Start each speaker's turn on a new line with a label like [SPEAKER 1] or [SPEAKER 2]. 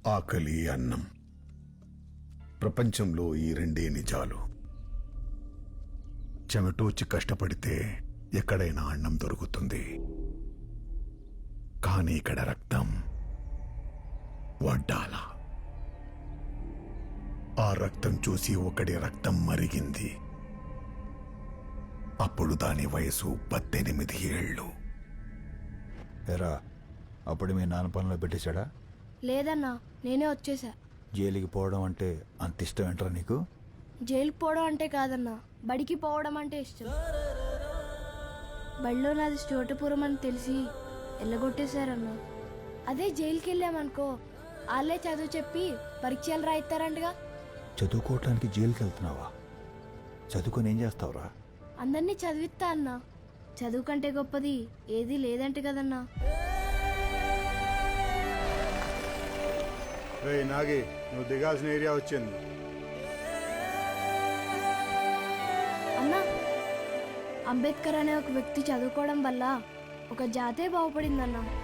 [SPEAKER 1] ఆకలి, అన్నం. ప్రపంచంలో ఈ రెండే నిజాలు. చెమటోచి కష్టపడితే ఎక్కడైనా అన్నం దొరుకుతుంది, కానీ ఇక్కడ రక్తం వడ్డాల. ఆ రక్తం చూసి ఒకడి రక్తం మరిగింది. అప్పుడు దాని వయసు 18 ఏళ్ళు.
[SPEAKER 2] ఎరా, అప్పుడు మీ నాన్న పనిలో పెట్టేశాడా?
[SPEAKER 3] లేదన్నా, నేనే వచ్చేసా.
[SPEAKER 2] జైలుకి పోవడం అంటే అంత ఇష్టం ఏంట్రా నీకు?
[SPEAKER 3] జైలుకి పోవడం అంటే కాదన్నా, బడికి పోవడం అంటే ఇష్టం. బడిలో నాది చోటపురం అని తెలిసి ఎల్లగొట్టేశారన్నా. అదే జైలుకి వెళ్ళామనుకో, వాళ్ళే చదువు చెప్పి పరీక్షలు రాయిస్తారంటగా.
[SPEAKER 2] చదువుకోవటానికి జైలుకి వెళ్తున్నావా? చదువుకొని ఏం చేస్తావురా?
[SPEAKER 3] అందరినీ చదివిస్తా అన్నా. చదువు కంటే గొప్పది ఏదీ లేదంటే కదన్నా.
[SPEAKER 4] నాగి, నువ్వు దిగాల్సిన ఏరియా వచ్చింది.
[SPEAKER 3] అన్నా, అంబేద్కర్ అనే ఒక వ్యక్తి చదువుకోవడం వల్ల ఒక జాతే బాగుపడిందన్నా.